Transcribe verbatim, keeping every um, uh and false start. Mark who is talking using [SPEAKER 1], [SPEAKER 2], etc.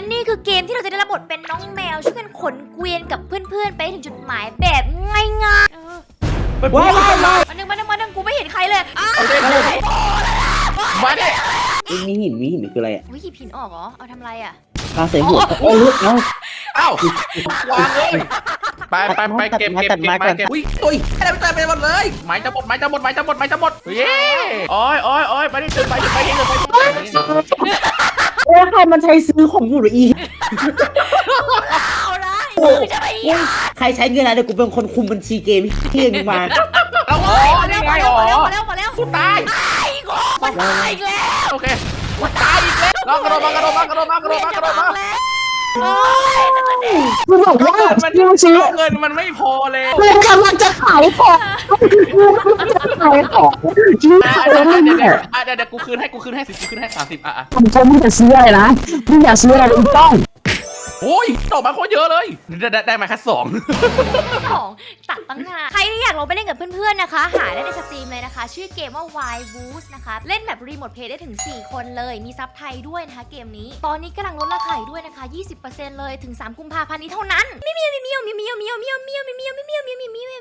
[SPEAKER 1] นี่คือเกมที่เราจะได้รับบทเป็นน้องแมวช่วยกันขนเกวียนกับเพื่อนๆไปถึงจุดหมายแบบง่ายๆเออ
[SPEAKER 2] ว้าวว้าวว้าว
[SPEAKER 1] มาหนึ่งมาหนึ่งมาหนึ่งกูไม่เห็นใครเลยอ้าว
[SPEAKER 3] มาดิ
[SPEAKER 2] มีหินมีหินคืออะไรอ่ะ
[SPEAKER 1] วิหยิบหินออกเหรอเอาทำอะไรอ่ะ
[SPEAKER 2] ปลาใส่หัวโอ้ยเอ้า
[SPEAKER 3] เอ้าวางเลยไปไปไปเก็บเก็บเก็บไปเก็บ
[SPEAKER 4] อุ้ยอุ้ยอะไรไม่ตายไปหมดเลย
[SPEAKER 3] ไม้จะหมดไม้จะหมดไม้จะหมดไม้จะหมดเย้โอ้ยโอ้ยโอ้ยไปดิไปดิไปดิไปดิ
[SPEAKER 2] โอ้ยใครมันใช้ซื้อของกูหรืออี
[SPEAKER 1] เอาละมึงจะไปอีก
[SPEAKER 2] ใครใช้เงินอะไรเดี๋ยวกูเป็นคนคุมบัญชีเกมที่เองมา
[SPEAKER 3] เอาโอ้ยนี่ไงอ๋อ
[SPEAKER 1] มาแล้วมาแล้วมาแล้ว
[SPEAKER 3] กูตาย
[SPEAKER 1] ตายอีกคนตายอีกแล้ว
[SPEAKER 3] โอเคกูตายอีกแล้วลองกระโดดมากระโดดมากระโดดมากระโดดมากระโดดมา
[SPEAKER 1] โอ้ยนั่นน่ะดิ
[SPEAKER 5] กูบอกว่า
[SPEAKER 3] มัน
[SPEAKER 5] กูซื้อ
[SPEAKER 3] เงินมันไม่พอเลย
[SPEAKER 5] กูกำลังจะขายของกูกำลังจะขายของจริง
[SPEAKER 3] อ่ะ
[SPEAKER 5] เล
[SPEAKER 3] เดี๋ยวย เดี๋ยว
[SPEAKER 5] เนี่
[SPEAKER 3] เดี๋ยวย เดี๋ยวกูคืนให้กูคืนให้สิบกูคืนให้สามสิบอ่ะอ่ะ
[SPEAKER 5] ผมจะมึงจะซื้ออะไรนะมึงอยากซื้ออะไรมึงต้อง
[SPEAKER 3] โอ้ยดอกมาโคตรเยอะเลยได้ได้ได้มาแค่สอง
[SPEAKER 1] สองตัดตั้งนานใครที่อยากลงไปเล่นกับเพื่อนๆนะคะ หาได้ในสตรีมเลยนะคะ ชื่อเกมว่า Wild Woos นะคะเล่นแบบรีโมทเพลย์ได้ถึงสี่คนเลยมีซับไทยด้วยนะคะเกมนี้ตอนนี้กำลังลดราคาอยู่ด้วยนะคะ ยี่สิบเปอร์เซ็นต์ เลยถึงสามกุมภาพันธ์นี้เท่านั้นมิวมิวมิวมิวมิวมิวมิวมิวมิวมิวมิวมิวมิวมิว